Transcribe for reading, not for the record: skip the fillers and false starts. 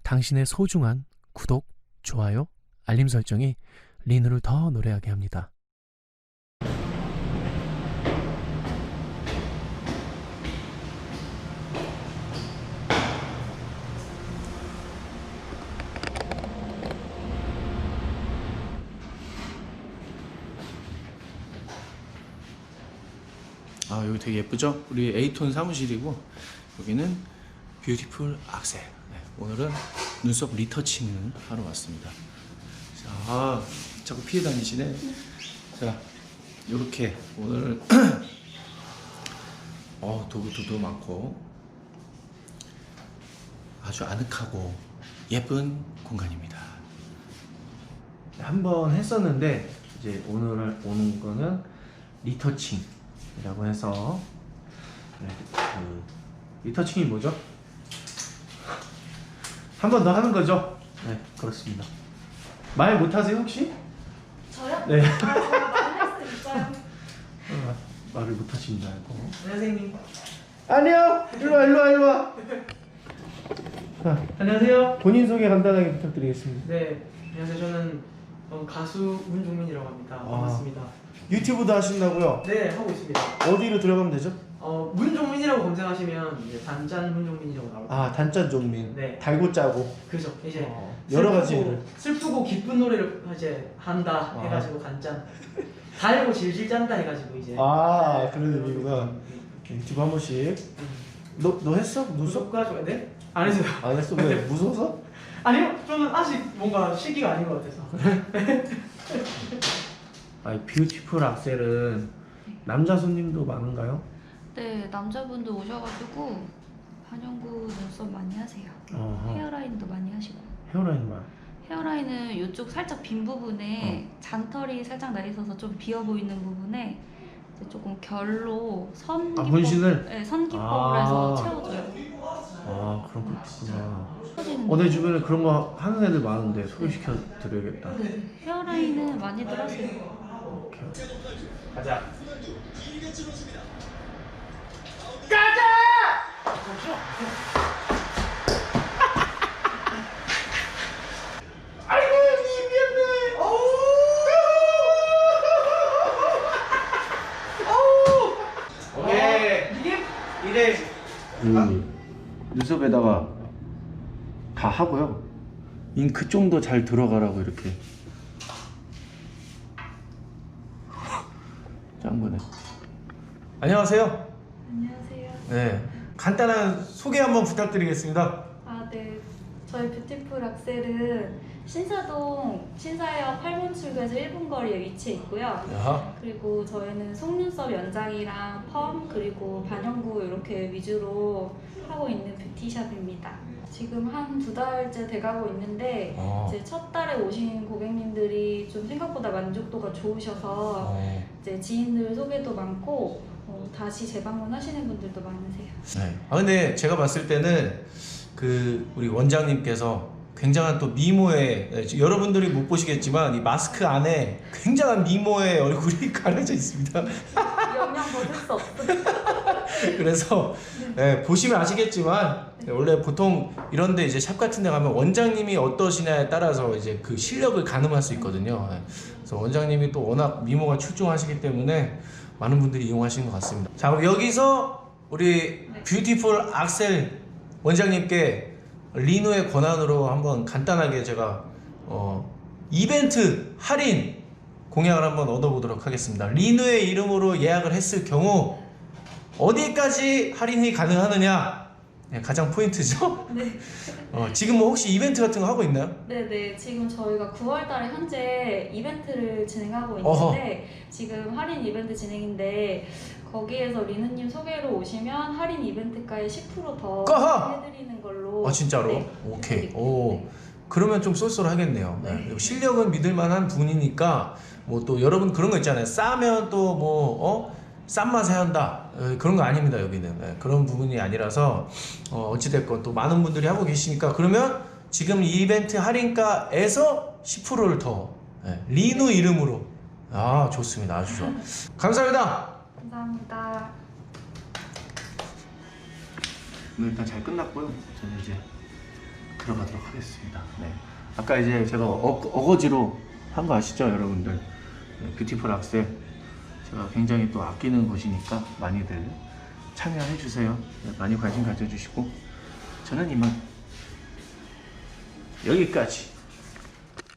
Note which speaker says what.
Speaker 1: 당신의 소중한 구독, 좋아요, 알림 설정이 리누를 더 노래하게 합니다. 아, 여기 되게 예쁘죠? 우리 에이톤 사무실이고 여기는 뷰티풀 악셀. 네, 오늘은 눈썹 리터칭을 하러 왔습니다. 자, 자꾸 피해 다니시네. 자, 요렇게 오늘 도구도 많고 아주 아늑하고 예쁜 공간입니다. 한번 했었는데 이제 오늘 오는 거는 리터칭이라고 해서 리터칭이 뭐죠? 한 번 더 하는 거죠? 네, 그렇습니다. 말 못하세요 혹시?
Speaker 2: 저요?
Speaker 1: 네.
Speaker 2: 말할 수 있어요.
Speaker 1: 말을 못하시는 줄 알고.
Speaker 2: 선생님.
Speaker 1: 안녕. 일로 와. 자,
Speaker 2: 안녕하세요.
Speaker 1: 본인 소개 간단하게 부탁드리겠습니다.
Speaker 2: 네, 안녕하세요. 저는 가수 문종민이라고 합니다. 반갑습니다.
Speaker 1: 유튜브도 하신다고요?
Speaker 2: 네, 하고 있습니다.
Speaker 1: 어디로 들어가면 되죠?
Speaker 2: 문종민이라고 검색하시면 이제 단짠 문종민이라고 나옵니다.
Speaker 1: 아, 단짠 종민.
Speaker 2: 네.
Speaker 1: 달고 짜고.
Speaker 2: 그죠. 이제
Speaker 1: 여러 가지를.
Speaker 2: 슬프고 기쁜 노래를 이제 한다 해가지고 단짠. 달고 질질 짠다 해가지고 이제.
Speaker 1: 아, 그런 의미구나. 유튜브 한 번씩. 너 했어? 눈썹?
Speaker 2: 가지고 네? 안 했어요.
Speaker 1: 안 했어? 왜? 무서워서?
Speaker 2: 아니요, 저는 아직 뭔가 시기가 아닌 것 같아서.
Speaker 1: 아니, 뷰티풀 악셀은 남자 손님도 많은가요?
Speaker 3: 네, 남자분도 오셔가지고 반영구 눈썹 많이 하세요.
Speaker 1: 어허.
Speaker 3: 헤어라인도 많이 하시고.
Speaker 1: 헤어라인만.
Speaker 3: 헤어라인은 이쪽 살짝 빈 부분에 잔털이 살짝 나 있어서 좀 비어 보이는 부분에 이제 조금 결로 선 기법,
Speaker 1: 문신을?
Speaker 3: 네, 선 기법으로 해서 채워줘요.
Speaker 1: 아, 그런 거 있구나.
Speaker 3: 채워지는
Speaker 1: 내 주변에 그런 거 하는 애들 많은데 소개시켜 드려야겠다.
Speaker 3: 네, 헤어라인은 많이들 하세요.
Speaker 1: 오케이. 가자. 아이고, 미안해. 오케이. 이래. 눈썹에다가 다 하고요. 잉크 좀 더 잘 들어가라고 이렇게. 짠 거네. 안녕하세요.
Speaker 3: 안녕하세요.
Speaker 1: 네. 간단한 소개 한번 부탁드리겠습니다.
Speaker 3: 아, 네. 저희 뷰티풀 악셀은 신사동 신사역 8번 출구에서 1분 거리에 위치해 있고요.
Speaker 1: 야.
Speaker 3: 그리고 저희는 속눈썹 연장이랑 펌 그리고 반영구 이렇게 위주로 하고 있는 뷰티샵입니다. 지금 한 2달째 돼가고 있는데 이제 첫 달에 오신 고객님들이 좀 생각보다 만족도가 좋으셔서 이제 지인들 소개도 많고 다시 재방문하시는 분들도 많으세요.
Speaker 1: 네. 아, 근데 제가 봤을 때는 우리 원장님께서 굉장한 또 미모의, 여러분들이 못 보시겠지만 이 마스크 안에 굉장한 미모의 얼굴이 가려져 있습니다.
Speaker 3: 영양 버틸 수 없습니다.
Speaker 1: 그래서 보시면 아시겠지만 원래 보통 이런데 이제 샵 같은 데 가면 원장님이 어떠시냐에 따라서 이제 그 실력을 가늠할 수 있거든요. 그래서 원장님이 또 워낙 미모가 출중하시기 때문에 많은 분들이 이용하시는 것 같습니다. 자, 그럼 여기서 우리 뷰티풀 악셀 원장님께 리누의 권한으로 한번 간단하게 제가 이벤트 할인 공약을 한번 얻어보도록 하겠습니다. 리누의 이름으로 예약을 했을 경우 어디까지 할인이 가능하느냐, 가장 포인트죠.
Speaker 3: 네.
Speaker 1: 지금 뭐 혹시 이벤트 같은 거 하고 있나요?
Speaker 3: 네네, 지금 저희가 9월달에 현재 이벤트를 진행하고 있는데 지금 할인 이벤트 진행인데 거기에서 리누님 소개로 오시면 할인 이벤트가에 10% 더 해드리는 걸로.
Speaker 1: 아, 진짜로?
Speaker 3: 네,
Speaker 1: 오케이.
Speaker 3: 해드릴게요.
Speaker 1: 오,
Speaker 3: 네.
Speaker 1: 그러면 좀 쏠쏠하겠네요. 네. 실력은 믿을만한 분이니까 뭐 또 여러분 그런 거 있잖아요. 싸면 또 뭐 싼 맛에 한다, 그런 거 아닙니다. 여기는 그런 부분이 아니라서 어찌됐건 또 많은 분들이 하고 계시니까 그러면 지금 이벤트 할인가에서 10%를 더 리누 이름으로. 아, 좋습니다. 아주 좋아. 감사합니다.
Speaker 3: 감사합니다.
Speaker 1: 오늘 일단 잘 끝났고요. 저는 이제 들어가도록 하겠습니다. 네. 아까 이제 제가 어거지로 한 거 아시죠, 여러분들? 네, 뷰티풀 악셀 제가 굉장히 또 아끼는 곳이니까 많이들 참여해 주세요. 네, 많이 관심 가져주시고 저는 이만 여기까지.